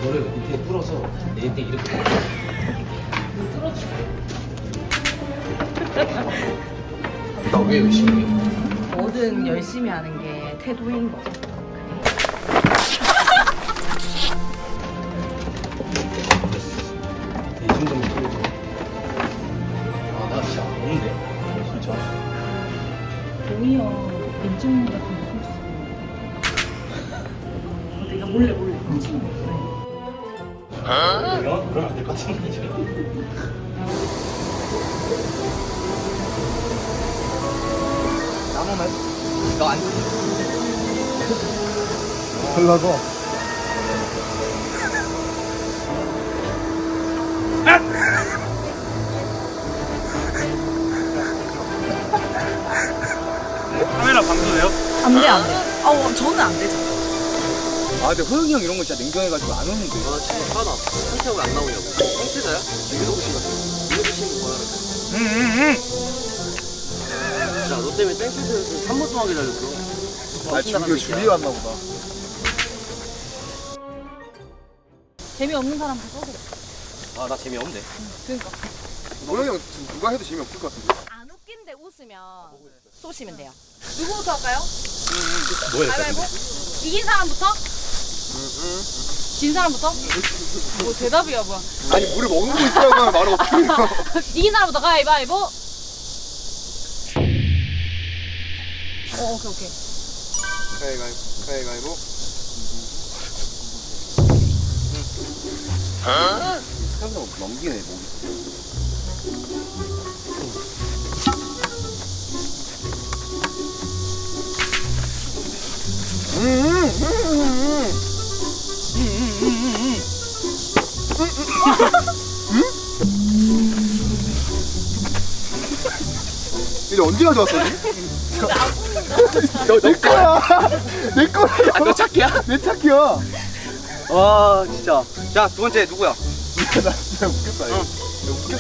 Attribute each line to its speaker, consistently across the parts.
Speaker 1: 이거를 밑에 뚫어서 내때 이렇게
Speaker 2: 뚫어줄게.
Speaker 1: 나 왜 열심히 해?
Speaker 2: 뭐든 열심히 하는 게 태도인 거죠.
Speaker 1: 이 정도면 뚫어줘. 아나 진짜 안 오는데 진짜.
Speaker 2: 오히려 인증문 같은 거 훔쳐서 내가 몰래 훔치는 거.
Speaker 1: 그러면 안 될 것 같은데 지금.
Speaker 3: 나무만 너안 쓰지?
Speaker 4: 달라고.
Speaker 3: 카메라 방수돼요?
Speaker 2: 안 돼, 안 돼. 저는 안 되죠.
Speaker 3: 아 근데 호영이 형 이런 거 진짜 냉정해가지고 안 오는데.
Speaker 1: 아 진짜 화나. 상태가 왜안 나오냐고. 상태자야? 유도부 씨 같은 거. 유도부 씨는 뭐야? 야, 너 때문에 땡볕에서 3분 동안 기다렸어.
Speaker 4: 아, 준비 왔나 보다.
Speaker 2: 재미없는 사람 다 써서.
Speaker 1: 아, 나 재미없는데.
Speaker 2: 그러니까.
Speaker 4: 노영이 형 지금 누가 해도 재미없을 것 같은데.
Speaker 2: 안 웃긴데 웃으면 쏘시면 돼요. 누구부터 할까요?
Speaker 1: 뭐야,
Speaker 2: 가위바위보? 이긴 사람부터? 진 사람부터? 뭐 대답이야 뭐야.
Speaker 4: 아니, 물을 먹는 거 있으라고 하면 말을 어떻게 해요?
Speaker 2: 이긴 사람부터 가위바위보. 오케이.
Speaker 4: 가위바위보. 스카이브 넘기네, 목이. 이제 언제 가져왔어? 내 거야. 내 거야.
Speaker 3: 아, 너 찾기야?
Speaker 4: 내 차키야.
Speaker 3: 와 진짜. 자 두 번째 누구야?
Speaker 4: 나 진짜 웃겼다. 이거. 웃겼어.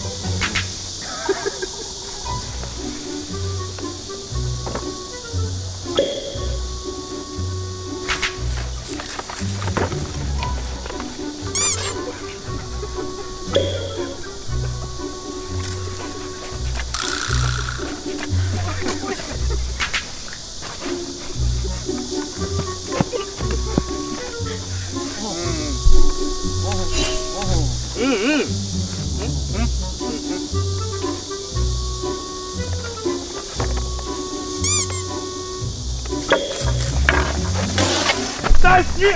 Speaker 3: 딸씨.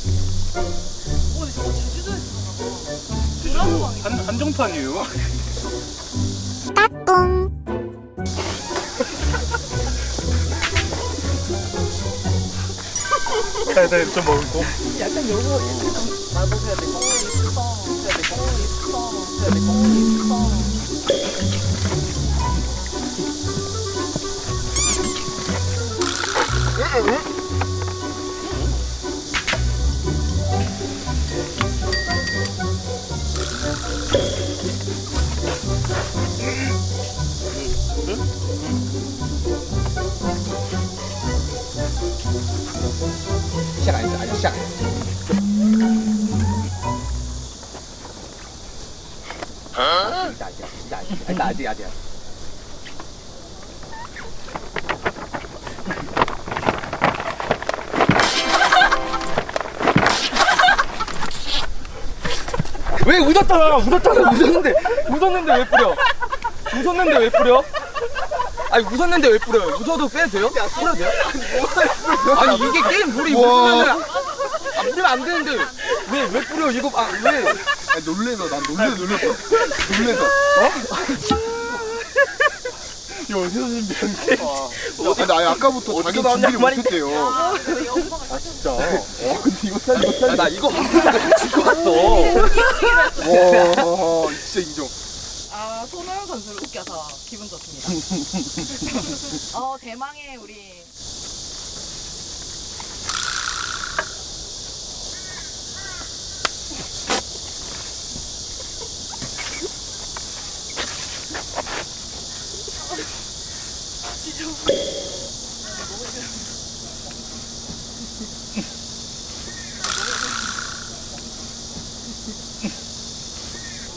Speaker 2: 저거 제주도에서
Speaker 3: 한정판이에요. 따뚱. 좀 먹고.
Speaker 2: 약간 요거 나도 해야 돼. 해야 돼.
Speaker 3: 시작 아니죠? 아니 시작. 아직이야. 왜 웃었는데 왜 뿌려? 웃었는데 왜 뿌려? 아니 웃었는데 왜 뿌려요? 웃어도 빼도 돼요? 뿌려도 돼요? 아니 이게 게임 룰이 웃으면은 뿌리면 안 되는데 왜 뿌려 이거 왜?
Speaker 4: 아니, 놀래서. 난 놀랬어.
Speaker 3: 이거 어디서 준비했는데?
Speaker 4: 근데 아니, 아까부터 자기 준비를 못했대요.
Speaker 2: 아,
Speaker 4: 진짜. 근데 이거 살.
Speaker 3: 나 이거 한번도 치고 왔어.
Speaker 4: 와, 진짜 인정.
Speaker 2: 손호영 선수를 웃겨서 기분 좋습니다. 대망의 우리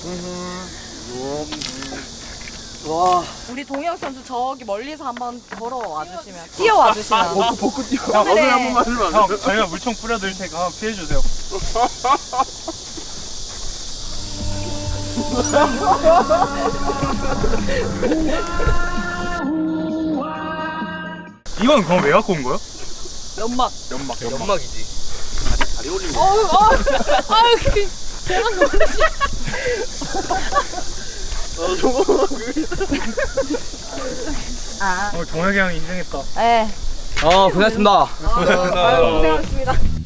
Speaker 1: 와.
Speaker 2: 우리 동혁 선수 저기 멀리서 한번 걸어와 주시면, 뛰어와 주시면.
Speaker 4: 벚꽃 뛰어.
Speaker 1: 형, 어느 한 번만 해주면 안
Speaker 5: 형,
Speaker 1: 돼요?
Speaker 5: 저희가 물총 뿌려드릴 테니까 한번 피해주세요. 이건 그럼 왜 갖고 온 거야?
Speaker 2: 연막.
Speaker 1: 연막이지. 다리 올리면.
Speaker 2: 아유, 제가 놀라시.
Speaker 1: 저거.
Speaker 2: 아,
Speaker 5: 동혁이 형이 인생했다.
Speaker 2: 네.
Speaker 3: 고생했습니다.
Speaker 2: 고생하셨습니다.